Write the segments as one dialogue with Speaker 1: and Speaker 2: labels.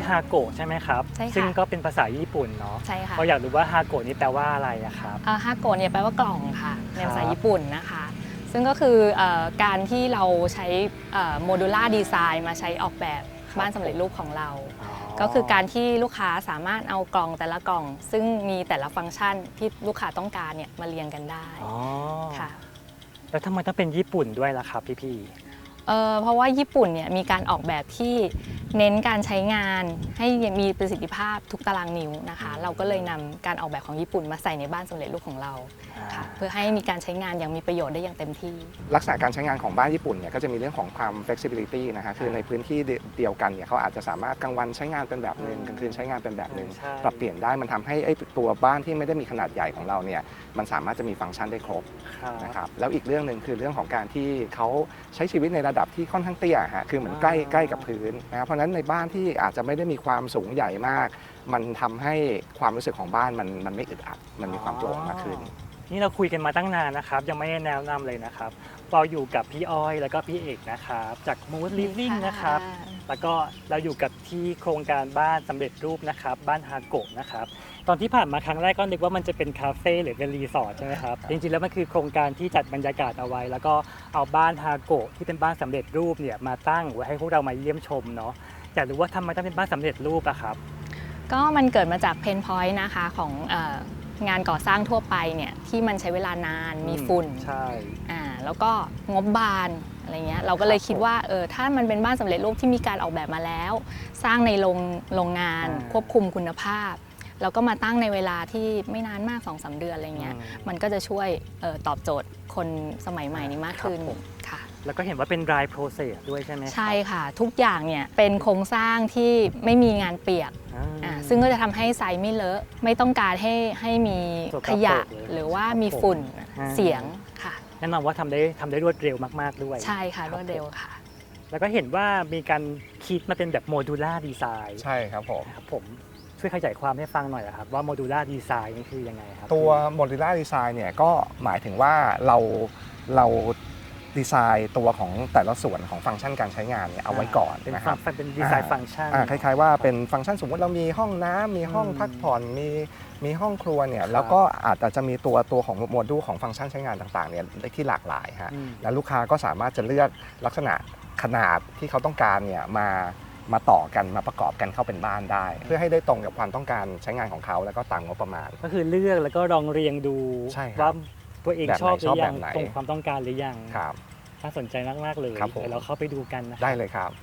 Speaker 1: ฮาโกะใช่ไหมครับ
Speaker 2: ใช่ค่ะ
Speaker 1: ซึ่งก็เป็นภาษาญี่ปุ่นเนาะ
Speaker 2: ใช่ค่ะ
Speaker 1: เราอยากรู้ว่าฮาโกะนี่แปลว่าอะไรอะครับ
Speaker 2: ฮาโกะเนี่ยแปลว่ากล่องค่ะในภาษาญี่ปุ่นนะคะซึ่งก็คือการที่เราใช้โมดูล่าดีไซน์มาใช้ออกแบบบ้านสำเร็จรูปของเรา ก็คือการที่ลูกค้าสามารถเอากล่องแต่ละกล่อง ซึ่งมีแต่ละฟังก์ชันที่ลูกค้าต้องการเนี่ยมาเรียงกันได้ค่ะ
Speaker 1: แล้วทำไมต้องเป็นญี่ปุ่นด้วยล่ะครับพี่
Speaker 2: เพราะว่าญี่ปุ่นเนี่ยมีการออกแบบที่เน้นการใช้งานให้มีประสิทธิภาพทุกตารางนิ้วนะคะเราก็เลยนำการออกแบบของญี่ปุ่นมาใส่ในบ้านสำเร็จรูปของเราค่ะเพื่อให้มีการใช้งานอย่างมีประโยชน์ได้อย่างเต็มที่
Speaker 3: ลักษณะการใช้งานของบ้านญี่ปุ่นเนี่ยก็จะมีเรื่องของความ flexibility นะคะคือในพื้นที่เดียวกันเนี่ยเขาอาจจะสามารถกลางวันใช้งานเป็นแบบหนึ่งกลางคืนใช้งานเป็นแบบหนึ่งปรับเปลี่ยนได้มันทำให้ตัวบ้านที่ไม่ได้มีขนาดใหญ่ของเราเนี่ยมันสามารถจะมีฟังก์ชันได้ครบนะครับแล้วอีกเรื่องหนึ่งคือเรื่องของการที่เขาใช้ชีวิตในระดับที่ค่อนข้างเตี้ยฮะคือเหมือนใกล้กับพื้นนะครับเพราะฉะนั้นในบ้านที่อาจจะไม่ได้มีความสูงใหญ่มากมันทำให้ความรู้สึกของบ้านมันไม่อึดอัดมันมีความโปร่งมากขึ้น
Speaker 1: นี่เราคุยกันมาตั้งนานนะครับยังไม่ได้แนะนำเลยนะครับเราอยู่กับพี่อ้อยแล้วก็พี่เอกนะครับจาก Mood Living นะครับแล้วก็เราอยู่กับที่โครงการบ้านสำเร็จรูปนะครับบ้านฮาโกะนะครับตอนที่ผ่านมาครั้งแรกก็นึกว่ามันจะเป็นคาเฟ่หรือเป็นรีสอร์ทใช่ไหมครับจริงๆแล้วมันคือโครงการที่จัดบรรยากาศเอาไว้แล้วก็เอาบ้านฮาโกะที่เป็นบ้านสำเร็จรูปเนี่ยมาตั้งไว้ให้พวกเรามาเยี่ยมชมเนาะอยากรู้ว่าทำไมต้องเป็นบ้านสำเร็จรูปอะครับ
Speaker 2: ก็มันเกิดมาจากเพนพอยต์นะคะของงานก่อสร้างทั่วไปเนี่ยที่มันใช้เวลานานมีฝุ่น
Speaker 1: ใช่
Speaker 2: แล้วก็งบบานอะไรเงี้ยเราก็เลยคิดว่าถ้ามันเป็นบ้านสำเร็จรูปที่มีการออกแบบมาแล้ว สร้างในโรงงานควบคุมคุณภาพแล้วก็มาตั้งในเวลาที่ไม่นานมาก 2-3 เดือนอะไรเงี้ยมันก็จะช่วยตอบโจทย์คนสมัยใหม่นี้มากขึ้นค่ะ
Speaker 1: แล้วก็เห็นว่าเป็น dry process ด้วยใช่ไหม
Speaker 2: ใช่ค่ะทุกอย่างเนี่ยเป็นโครงสร้างที่ไม่มีงานเปียกซึ่งก็จะทำให้ไซส์ไม่เลอะไม่ต้องการให้มีขยะหรือว่ามีฝุ่นเสียงค่ะ
Speaker 1: แน่นอนว่าทำได้รวดเร็วมากๆด้วย
Speaker 2: ใช่ค่ะรวดเร็วค่ะ
Speaker 1: แล้วก็เห็นว่ามีการคิดมาเป็นแบบโมดูล่าดีไซน์
Speaker 3: ใช่ครับผม
Speaker 1: ช่วยขยายความให้ฟังหน่อยครับว่าโมดูล่าดีไซน์นี่คือยังไงครับ
Speaker 3: ตัวโมดูล่าดีไซน์เนี่ยก็หมายถึงว่าเราดีไซน์ตัวของแต่ละส่วนของฟังก์ชันการใช้งานเนี่ยเอาไว้ก่อนนะครับ
Speaker 1: เป็นดีไซน์ฟังก์ชัน
Speaker 3: คล้ายๆว่าเป็นฟังก์ชันสมมติเรามีห้องน้ำมีห้องพักผ่อนมีห้องครัวเนี่ยแล้วก็อาจจะมีตัวของโมดูลของฟังก์ชันใช้งานต่างๆเนี่ยที่หลากหลายฮะแล้วลูกค้าก็สามารถจะเลือกลักษณะขนาดที่เขาต้องการเนี่ยมาต่อกันมาประกอบกันเข้าเป็นบ้านได้ เพื่อให้ได้ตรงกับความต้องการใช้งานของเขาแล้วก็ตามงบประมาณ
Speaker 1: ก็คือเลือกแล้วก็ลองเรียงดูว่าตัวเองชอบหรือยังตรงความต้องการหรือยัง
Speaker 3: ครับ
Speaker 1: น่าสนใจมากๆเลยเดี๋ยวเราเข้าไปดูกันนะ
Speaker 3: ได้เลยครับ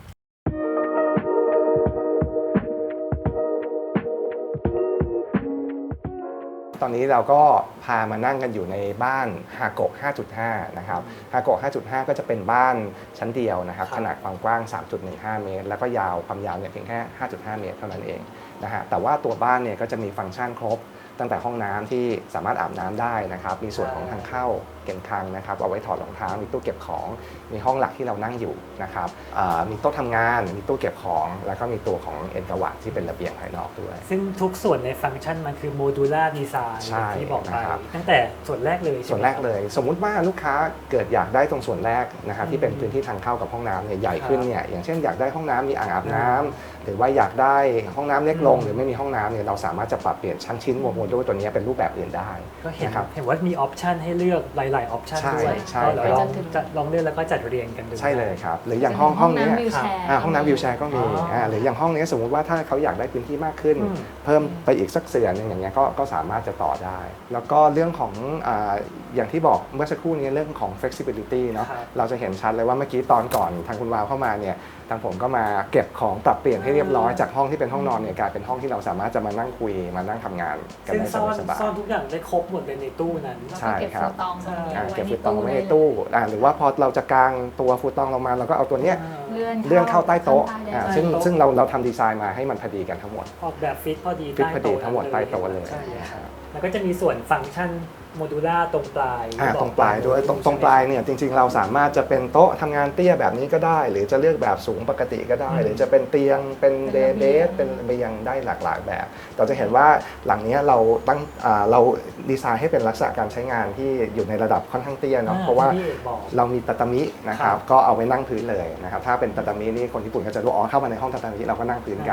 Speaker 3: ตอนนี้เราก็พามานั่งกันอยู่ในบ้านฮาโกะ 5.5 นะครับฮาโกะ 5.5 ก็จะเป็นบ้านชั้นเดียวนะครับขนาดความกว้าง 3.15 เมตรแล้วก็ยาวความยาวเนี่ยเพียงแค่ 5.5 เมตรเท่านั้นเองนะฮะแต่ว่าตัวบ้านเนี่ยก็จะมีฟังก์ชันครบตั้งแต่ห้องน้ำที่สามารถอาบน้ำได้นะครับมีส่วนของทางเข้าเก็บคลังนะครับเอาไว้ถอดรองเท้ามีตู้เก็บของมีห้องหลักที่เรานั่งอยู่นะครับมีโต๊ะทำงานมีตู้เก็บของแล้วก็มีตัวของเอ็นกวาดที่เป็นระเบียงภายนอกด้วย
Speaker 1: ซึ่งทุกส่วนในฟังก์ชันมันคือโมดูล่าดีไซน์ที่บอกไปตั้งแต่ส่วนแรกเลย
Speaker 3: สมมุติว่าลูกค้าเกิดอยากได้ตรงส่วนแรกนะครับที่เป็นพื้นที่ทางเข้ากับห้องน้ำเนี่ยใหญ่ขึ้นเนี่ยอย่างเช่นอยากได้ห้องน้ำมีอ่างอาบน้ำหรือว่าอยากได้ห้องน้ำเล็กลงหรือไม่มีห้องน้ำเนี่ยเราสามารถจะปรับเปลี่ยนชั้นชิ้นโมดูลตัวนี้เป็นรูปแบบอื่นได้
Speaker 1: ก็เห็นว่ามีออปชันให้เลือกหลายๆออปชันด้วยก็ลองเลือกแล้วก็จัดเรียงกันดู
Speaker 3: ใช่เลยครับหรืออย่างห้องนี้ห้องน้ำวิวแชร์ก็มีหรืออย่างห้องนี้สมมุติว่าถ้าเขาอยากได้พื้นที่มากขึ้นเพิ่มไปอีกสักเสื่อนึงอย่างเงี้ยก็สามารถจะต่อได้แล้วก็เรื่องของอย่างที่บอกเมื่อสักครู่นี้เรื่องของ flexibility เนาะเราจะเห็นชัดเลยว่าเมื่อกี้ตอนก่อนทางคุณวาวเข้ามาเนี่ยทางผมก็มาเก็บของปรับเปลี่ยนให้เรียบร้อยจากห้องที่เป็นห้องนอนเนี่ยกลายเป็นห้องที่เราสามารถจะมานั่งคุยมานั่งทำงานกันได้สบายๆ
Speaker 1: ซ่อนทุกอย่างได้ครบหมดเลยในตู้นั้น
Speaker 3: ใช่ครับ
Speaker 2: เก็บ
Speaker 3: ฟูตองไว้ในตู้หรือว่าพอเราจะกางตัวฟูตองลงมาเราก็เอาตัวเนี้ยเลื่อนเข้าใต้โต๊ะซึ่งเราทำดีไซน์มาให้มันพอดีกันทั้งหมด
Speaker 1: ออกแบบฟิตพอดี
Speaker 3: ทั้งหมดใต้โต๊ะเลย
Speaker 1: แล้วก็จะมีส่วนฟังก์ชันโมดูล่าตรงปลาย
Speaker 3: ตรงปลายด้วยตรงปลายเนี่ยจริงๆเราสามารถจะเป็นโต๊ะทำงานเตี้ยแบบนี้ก็ได้หรือจะเลือกแบบสูงปกติก็ได้หรือจะเป็นเตียงเป็นเบสเป็นเบียงได้หลากหลายแบบเราจะเห็นว่าหลังนี้เราดีไซน์ให้เป็นลักษณะการใช้งานที่อยู่ในระดับค่อนข้างเตี้ยเนาะเพราะว่าเรามีตาตามินะครับก็เอาไว้นั่งพื้นเลยนะครับถ้าเป็นตาตามินี่คนญี่ปุ่นก็จะรู้เข้ามาในห้องตาตามิเราก็นั่งพื้นกัน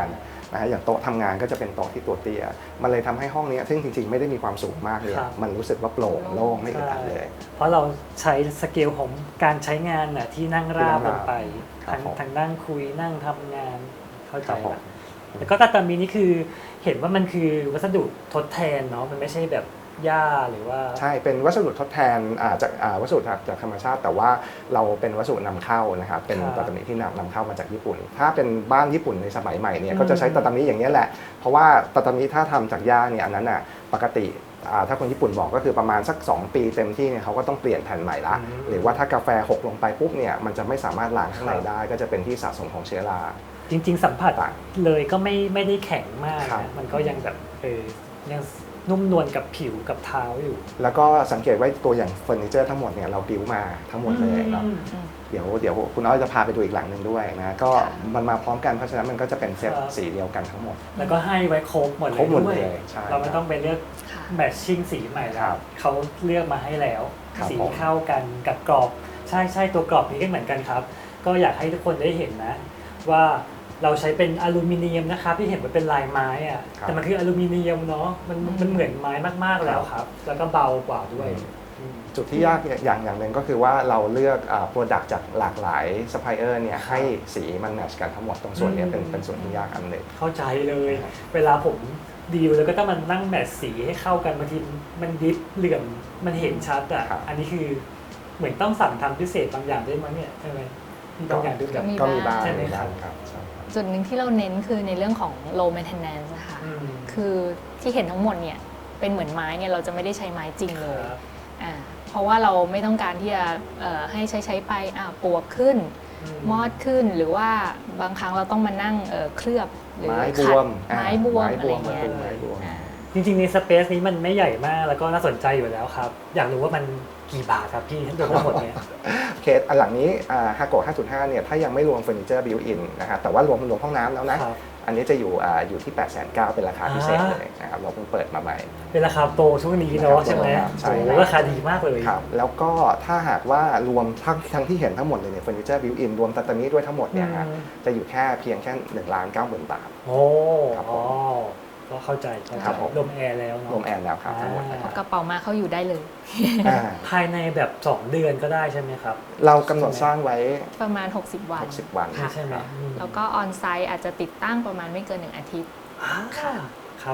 Speaker 3: นะฮะอย่างโต๊ะทำงานก็จะเป็นโต๊ะที่ตัวเตี้ยมันเลยทำให้ห้องนี้ซึ่งจริงๆไม่ได้มีความสูงมากเลย
Speaker 1: ครับ
Speaker 3: มันรู้สึกว่าโปร่งโล่งไม่อึดอัดเลย
Speaker 1: เพราะเราใช้สเกลของการใช้งานน่ะที่นั่งราบลงไป
Speaker 3: ครับผม
Speaker 1: ทางนั่งคุยนั่งทำงานเข้าใจ
Speaker 3: ครับผม
Speaker 1: ละแล้วก็ตาตามีนี่คือเห็นว่ามันคือวัสดุทดแทนเนาะมันไม่ใช่แบบหญ้าหรือว่า
Speaker 3: ใช่เป็นวัสดุทดแทนจากวัสดุจากธรรมชาติ แต่ว่าเราเป็นวัสดุนำเข้านะครับเป็น
Speaker 1: ครับ
Speaker 3: ตาตามิที่นำเข้ามาจากญี่ปุ่น ถ้าเป็นบ้านญี่ปุ่นในสมัยใหม่เนี่ย
Speaker 1: อืม
Speaker 3: ก็จะใช้ตาตามิอย่างนี้ยแหละ เพราะว่าตาตามิถ้าทำจากหญ้าเนี่ยอันนั้นอ่ะปกติถ้าคนญี่ปุ่นบอกก็คือประมาณสัก 2 ปีเต็มที่เนี่ยเขาก็ต้องเปลี่ยนแผ่นใหม่ละ หรือว่าถ้ากาแฟหกลงไปปุ๊บเนี่ยมันจะไม่สามารถล้างข้างในได้ก็จะเป็นที่สะสมของเชื้อรา
Speaker 1: จริง ๆ สัมผัส
Speaker 3: ต่าง
Speaker 1: เลยก็ไม่ได้แข็งมาก
Speaker 3: ครับ
Speaker 1: นะมันก็ยังแบบยังนุ่มนวลกับผิวกับเท้าอยู่
Speaker 3: แล้วก็สังเกตว่าตัวอย่างเฟอร์นิเจอร์ทั้งหมดเนี่ยเราบิวมาทั้งหมดเลยเนาะ เดี๋ยวคุณอ้อยจะพาไปดูอีกหลังหนึ่งด้วยนะก็
Speaker 2: ค่ะ
Speaker 3: มันมาพร้อมกันเพราะฉะนั้นมันก็จะเป็นเซต
Speaker 1: ครับ
Speaker 3: สีเดียวกันทั้งหมด
Speaker 1: แล้วก็ให้ไว้ครบหมดเลย
Speaker 3: ครบหมด
Speaker 1: ด้วย
Speaker 3: เลยใช่
Speaker 1: เราไม่ต้องไปเลือก
Speaker 2: ค่ะ
Speaker 1: แมทชิ่งสีใหม่แล้
Speaker 3: ครั
Speaker 1: ว
Speaker 3: บ
Speaker 1: เขาเลือกมาให้แล้ว
Speaker 3: ครับ
Speaker 1: สี
Speaker 3: ผม
Speaker 1: เข้ากันกับกรอบใช่ตัวกรอบนี้ก็เหมือนกันครับ ก็อยากให้ทุกคนได้เห็นนะ ว่าเราใช้เป็นอลูมิเนียมนะครับที่เห็นว่าเป็นลายไม้อะแต่มันคืออลูมิเนียมเนาะมันเหมือนไม้มากๆแล้วครับ แล้วก็เบากว่าด้วยอืม
Speaker 3: จุดที่ยากอย่างหนึ่งก็คือว่าเราเลือกโปรดักต์จากหลากหลายซัพพลายเออร์เนี่ยให้สีมันแมทช์กันทั้งหมดตรงส่วนเนี้ยเป็นส่วนที่ยากอันหนึ่ง
Speaker 1: เข้าใจเลย เวลาผมดีลแล้วก็ต้องมานั่งแมทสีให้เข้ากันบางทีมันดิฟเหลื่อมมันเห็นชัดอ่ะ
Speaker 3: ครับ
Speaker 1: อันนี้คือเหมือนต้องสั่งทำพิเศษบางอย่างด้วยมั้งเนี่ยใช่ไหมมีบางอย่างด้วยแบบ
Speaker 2: มี
Speaker 3: ก็มีบ้าง
Speaker 1: ใช่ไหม
Speaker 3: มีบ้าง
Speaker 1: ครับ
Speaker 3: ครับใช่ครับ
Speaker 2: จุดหนึ่งที่เราเน้นคือในเรื่องของ low maintenance นะคะ
Speaker 1: อืม
Speaker 2: คือที่เห็นทั้งหมดเนี่ยเป็นเหมือนไม้เนี่ยเราจะไม่ได้ใช้ไม้จริงเลย
Speaker 1: ครับ
Speaker 2: เพราะว่าเราไม่ต้องการที่จะให้ใช้ไปปวกขึ้น มอดขึ้นหรือว่าบางครั้งเราต้องมานั่งเคลือบหรือ
Speaker 3: ไม้บ
Speaker 2: ขัด
Speaker 3: วม
Speaker 2: ไม้บวม
Speaker 3: ไม้
Speaker 2: อะ
Speaker 3: บ
Speaker 2: ไร
Speaker 3: วม
Speaker 2: เงี้ย
Speaker 3: ไม้บวม
Speaker 2: อ่า
Speaker 1: จริงๆในสเปซนี้มันไม่ใหญ่มากแล้วก็น่าสนใจอยู่แล้วครับ อยากรู้ว่ามันกี่บาทครับพี่รวมทั้งหมดเนี่ย
Speaker 3: เคสอันหลังนี้ฮาโกะ5.5 เนี่ยถ้ายังไม่รวมเฟอร์นิเจอร์บิวอินนะฮะแต่ว่ารวมห้องน้ำแล้วนะ
Speaker 1: ครับ
Speaker 3: อันนี้จะอยู่ที่ 890,000 เป็นราคาพิเศษเลยนะครับเราเพิ่งเปิดมาใหม่
Speaker 1: เป็นราคาโปรช่วงนี้เนาะใช่ไหม
Speaker 3: ใช่
Speaker 1: โอ้โหราคาดีมากเลย
Speaker 3: ครับแล้วก็ถ้าหากว่ารวมทั้งที่เห็นทั้งหมดเลยเนี่ยเฟอร์นิเจอร์บิวอินรวมตัตามิด้วยทั้งหมดเนี่ยฮะ
Speaker 1: อืม
Speaker 3: จะอยู่เพียงแค่1,90,000 บาท
Speaker 1: โอ้
Speaker 3: ครับผม
Speaker 1: อ๋อก็เข้าใจ
Speaker 3: ครับผม
Speaker 1: ลมแอร์แล้วเนาะ
Speaker 3: รวมแอนแล้วครับทั้งหมดนะค
Speaker 2: เอา
Speaker 3: รับ
Speaker 2: กระเป๋ามาเขาอยู่ได้เลย
Speaker 3: อ่า
Speaker 1: ภายในแบบ 2 เดือนก็ได้ใช่ไหมครับ
Speaker 3: เรากำหนดสร้างไว้
Speaker 2: ประมาณ 60 วัน
Speaker 3: 60 วัน
Speaker 2: ค่ะ
Speaker 1: ใช่ไหมอืม
Speaker 2: แล้วก็ออนไซต์อาจจะติดตั้งประมาณไม่เกิน 1 อาทิตย์
Speaker 1: ค่ะครับ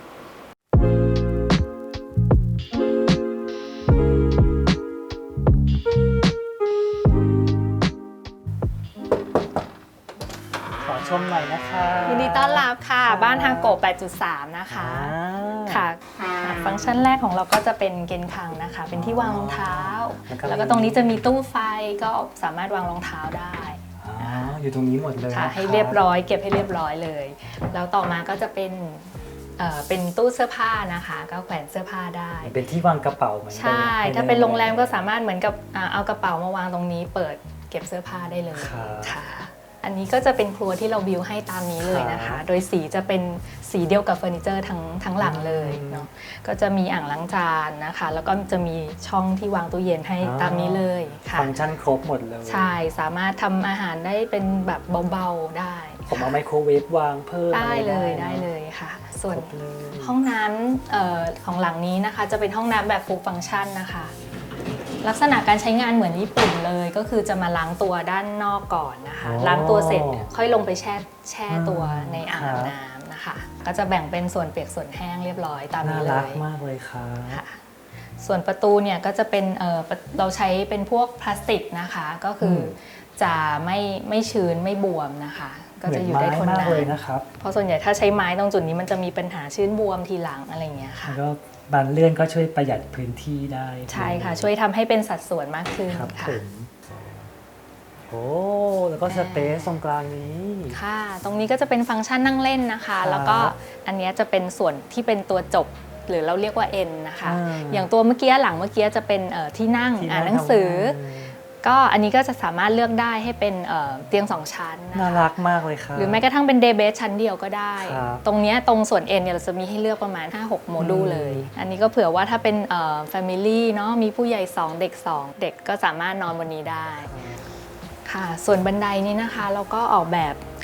Speaker 1: ขอชมหน่อยนะคะ
Speaker 2: ยินดีต้อนรับค่ะ บ้านฮาโกะ 8.3 นะคะ ค่ะ ฟังก์ชันแรกของเราก็จะเป็นเกนคังนะคะ เป็นที่วางรองเท้า แล้วก็ตรงนี้จะมีตู้ไฟก็สามารถวางรองเท้าได้
Speaker 1: อ๋ออยู่ตรงนี้หมดเลย
Speaker 2: ค่ะ
Speaker 1: นะ
Speaker 2: ให้เรียบร้อยเก็บให้เรียบร้อยเลย แล้วต่อมาก็จะเป็นตู้เสื้อผ้านะคะ ก็แขวนเสื้อผ้าได้
Speaker 1: เป็นที่วางกระเป๋าเหมือนกัน
Speaker 2: ใช่ ถ้าเป็นโรงแรมก็สามารถเหมือนกับเอากระเป๋ามาวางตรงนี้ เปิดเก็บเสื้อผ้าได้เลย
Speaker 1: ครับ
Speaker 2: ค่ะ อันนี้ก็จะเป็นครัวที่เราบิวให้ตามนี้เลยนะ
Speaker 1: ครั
Speaker 2: คะ
Speaker 1: บ
Speaker 2: โดยสีจะเป็นสีเดียวกับเฟอร์นิเจอร์ทั้งหลังเลยเนาะ ก็จะมีอ่างล้างจานนะคะ แล้วก็จะมีช่องที่วางตู้เย็นให้ตามนี้เลยค่ะ
Speaker 1: ฟังก์ชันครบหมดเลย
Speaker 2: ใช่ สามารถทำอาหารได้เป็นแบบเบาๆได้
Speaker 1: ผมเอาไมโครเวฟวางเพิ่ม
Speaker 2: ได้เลย
Speaker 1: อะร
Speaker 2: ได้เลยค่ะ ส่วน
Speaker 1: ครบเลย
Speaker 2: ห้องน้ำของหลังนี้นะคะ จะเป็นห้องน้ำแบบฟูลฟังก์ชันนะคะ ลักษณะการใช้งานเหมือนญี่ปุ่นเลย ก็คือจะมาล้างตัวด้านนอกก่อนนะคะ ล้างตัวเสร็จค่อยลงไปแช่ตัวในอ่างน้ำนะคะ ก็จะแบ่งเป็นส่วนเปียกส่วนแห้งเรียบร้อยตาม
Speaker 1: น่า
Speaker 2: นี้เล
Speaker 1: รัก
Speaker 2: ย
Speaker 1: มากเลยครับ
Speaker 2: ค่ะ ส่วนประตูเนี่ยก็จะเป็นเราใช้เป็นพวกพลาสติกนะคะ ก็คือจะไม่ชื้นไม่บวมนะคะ ก็จะอยู่ได้ทน
Speaker 1: เหมือนไม้
Speaker 2: นาม
Speaker 1: ากเลย
Speaker 2: น
Speaker 1: นะครับ
Speaker 2: เพราะส่วนใหญ่ถ้าใช้ไม้ตรงจุดนี้มันจะมีปัญหาชื้นบวมทีหลังอะไรอย่างเงี้ยค่ะ
Speaker 1: แล้วก็บานเลื่อนก็ช่วยประหยัดพื้นที่ได้
Speaker 2: ใช่ค่ะ ช่วยทำให้เป็นสัดส่วนมากขึ้น
Speaker 1: ครับ
Speaker 2: ค่ะ
Speaker 1: ผมโอ้แล้วก็สเปซตรงกลางนี้
Speaker 2: ค่ะ ตรงนี้ก็จะเป็นฟังก์ชันนั่งเล่นนะคะ
Speaker 1: ครับ
Speaker 2: แล้วก็อันเนี้ยจะเป็นส่วนที่เป็นตัวจบ หรือเราเรียกว่า N นะคะ
Speaker 1: อ่า
Speaker 2: อย่างตัวเมื่อกี้หลังเมื่อกี้จะเป็นที่นั่ง
Speaker 1: ที่
Speaker 2: อ่านหนังสือ
Speaker 1: ทำงาน
Speaker 2: ก็อันนี้ก็จะสามารถเลือกได้ให้เป็นเตียง 2 ชั้นนะ
Speaker 1: น่า
Speaker 2: คะ
Speaker 1: รักมากเลยครับ
Speaker 2: หรือแม้กระทั่งเป็นเดย์เบสชั้นเดียวก็ได้
Speaker 1: ครับ
Speaker 2: ตรงเนี้ยตรงส่วน N เนี่ยเราจะมีให้เลือกประมาณ 5-6 โมดูลเลย อันนี้ก็เผื่อว่าถ้าเป็นFamily เนาะมีผู้ใหญ่ 2 เด็ก 2 เด็กก็สามารถนอนบนนี้ได้ ค่ะ ส่วนบันไดนี้นะคะเราก็ออกแบบ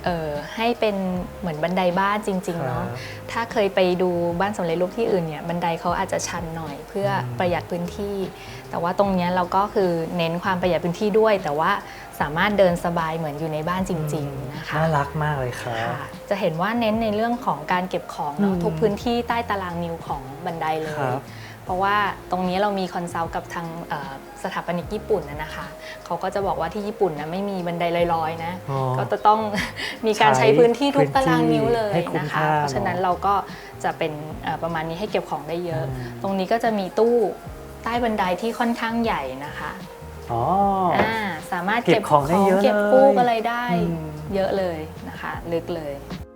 Speaker 2: ให้เป็นเหมือนบันไดบ้านจริงๆเนาะถ้าเคยไปดูบ้านสำเร็จรูปที่อื่นเนี่ยบันไดเขาอาจจะชันหน่อยเพื่อประหยัดพื้นที่แต่ว่าตรงนี้เราก็คือเน้นความประหยัดพื้นที่ด้วยแต่ว่าสามารถเดินสบายเหมือนอยู่ในบ้านจริงๆนะคะ
Speaker 1: น่ารักมากเลยครับ
Speaker 2: จะเห็นว่าเน้นในเรื่องของการเก็บของเนาะทุกพื้นที่ใต้ตารางนิ้วของบันไดเลยเพราะว่าตรงนี้เรามีคอนซัลท์กับทางสถาปนิกญี่ปุ่นนะคะเขาก็จะบอกว่าที่ญี่ปุ่นนะไม่มีบันไดลอยๆนะก็จะต้องมีการใช้พื้นที่ทุกตารางนิ้วเลยนะคะเพราะฉะนั้นเราก็จะเป็นประมาณนี้ให้เก็บของได้เยอะ ตรงนี้ก็จะมีตู้ใต้บันไดที่ค่อนข้างใหญ่นะคะสามารถเก็บของเก็บฟูกอะไรได้เยอะเลยนะคะลึกเลย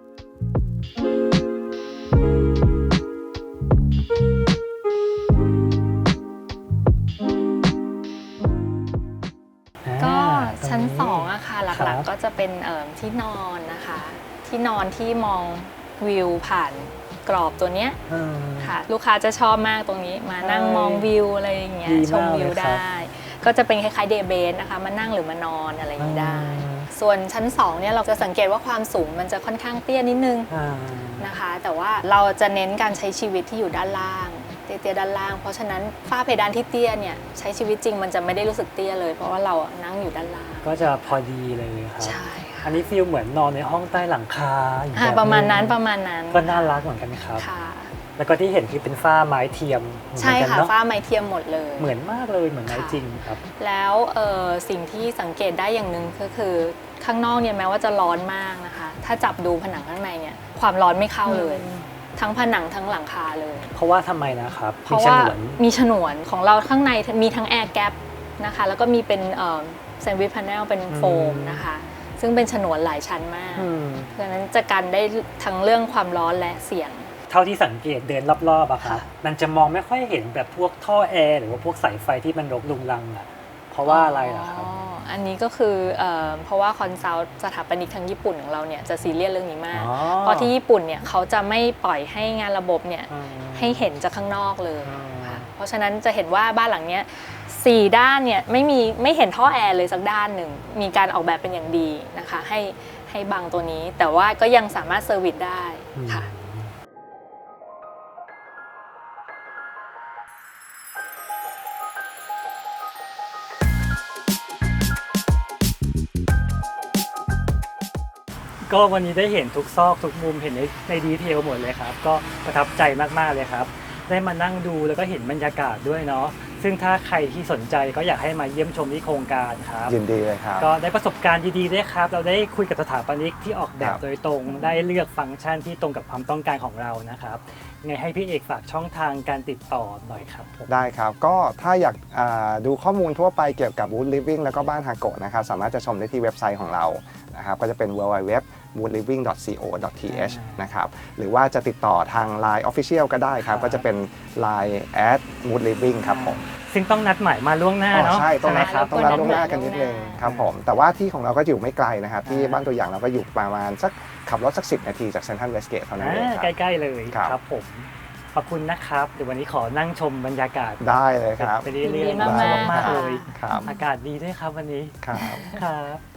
Speaker 2: ก็ชั้น2อะค่ะหลักๆก็จะเป็นที่นอนนะคะที่นอนที่มองวิวผ่านกรอบตัวเนี้ยค่ะลูกค้าจะชอบมากตรงนี้มานั่งมองวิวอะไรอย่างเงี้ยชมวิวได้ก็จะเป็นคล้ายๆเดย์เบสนะคะมานั่งหรือมานอนอะไรอย่างนี้ได้ส่วนชั้น2เนี่ยเราจะสังเกตว่าความสูงมันจะค่อนข้างเตี้ยนิดนึงนะคะแต่ว่าเราจะเน้นการใช้ชีวิตที่อยู่ด้านล่างเตี้ยด้านล่างเพราะฉะนั้นฝ้าเพดานที่เตี้ยเนี่ยใช้ชีวิตจริงมันจะไม่ได้รู้สึกเตี้ยเลยเพราะว่าเรานั่งอยู่ด้านล่าง
Speaker 1: ก็จะพอดีเลยครับ
Speaker 2: ใช่
Speaker 1: อันนี้ฟีลเหมือนนอนในห้องใต้หลังคา
Speaker 2: ประมาณนั้น
Speaker 1: ก็น่ารักเหมือนกันครับแล้วก็ที่เห็นคือเป็นฝ้าไม้เทียม
Speaker 2: ใช่ค่ะฝ้าไม้เทียมหมดเลย
Speaker 1: เหมือนมากเลยเหมือนไม้จริงครับ
Speaker 2: แล้วสิ่งที่สังเกตได้อย่างหนึ่งก็คือข้างนอกเนี่ยแม้ว่าจะร้อนมากนะคะถ้าจับดูผนังข้างในเนี่ยความร้อนไม่เข้าเลยทั้งผนังทั้งหลังคาเลย
Speaker 1: เพราะว่าทำไมนะครับ
Speaker 2: เพราะว่ามีฉนวนของเราข้างในมีทั้งแอร์แกปนะคะแล้วก็มีเป็นแซนด์วิชพาเนลเป็นโฟมนะคะซึ่งเป็นฉนวนหลายชั้นมากเพราะฉะนั้นจะกันได้ทั้งเรื่องความร้อนและเสียง
Speaker 1: เท่าที่สังเกตเดินรอบๆอะครับมันจะมองไม่ค่อยเห็นแบบพวกท่อแอร์หรือว่าพวกสายไฟที่มันรกรุงรังอะเพราะว่าอะไรล่ะครับ
Speaker 2: อันนี้ก็คือเพราะว่าคอนซัลท์สถาปนิกทางญี่ปุ่นของเราเนี่ยจะซีเรียสเรื่องนี้มากเพราะที่ญี่ปุ่นเนี่ยเขาจะไม่ปล่อยให้งานระบบเนี่ยให้เห็นจากข้างนอกเลยเพราะฉะนั้นจะเห็นว่าบ้านหลังเนี้ย4ด้านเนี่ยไม่เห็นท่อแอร์เลยสักด้านหนึ่งมีการออกแบบเป็นอย่างดีนะคะให้บังตัวนี้แต่ว่าก็ยังสามารถเซอร์วิสได้ค่ะ
Speaker 1: ก็วันนี้ได้เห็นทุกซอกทุกมุมเห็นในดีเทลหมดเลยครับก็ประทับใจมากๆเลยครับได้มานั่งดูแล้วก็เห็นบรรยากาศด้วยเนาะซึ่งถ้าใครที่สนใจก็อยากให้มาเยี่ยมชมที่โครงการครับ
Speaker 3: ยินดีเลยครับ
Speaker 1: ก็ได้ประสบการณ์ดีๆด้วยครับเราได้คุยกับสถาปนิกที่ออกแบบโดยตรงได้เลือกฟังก์ชันที่ตรงกับความต้องการของเรานะครับไงให้พี่เอกฝากช่องทางการติดต่อหน่อยครับ
Speaker 3: ได้ครับก็ถ้าอยากดูข้อมูลทั่วไปเกี่ยวกับ Wood Living แล้วก็บ้านฮาโกะนะครับสามารถจะชมได้ที่เว็บไซต์ของเรานะครับก็จะเป็น www.woodliving.co.th นะครับหรือว่าจะติดต่อทาง Line Official ก็ได้ครับก็จะเป็น Line @woodliving ครับผม
Speaker 1: ซึ่งต้องนัดหมายมาล่วงหน้าเนาะ
Speaker 3: ใช่ต้องนัดล่วงหน้ากันนิดนึงครับผมแต่ว่าที่ของเราก็อยู่ไม่ไกลนะครับที่บ้านตัวอย่างเราก็อยู่ประมาณสักขับรถสัก10 นาทีจากเซ็นทรัลเวสเกตเท่านั้นเองครับ
Speaker 1: ใกล้ๆเลยครับผมขอบคุณนะครับเดี๋ยววันนี้ขอนั่งชมบรรยากาศ
Speaker 3: ได้เลยครับ
Speaker 1: ไปเรื่อยๆมากๆเลยอากาศดีด้วยครับวันนี้
Speaker 2: ครับ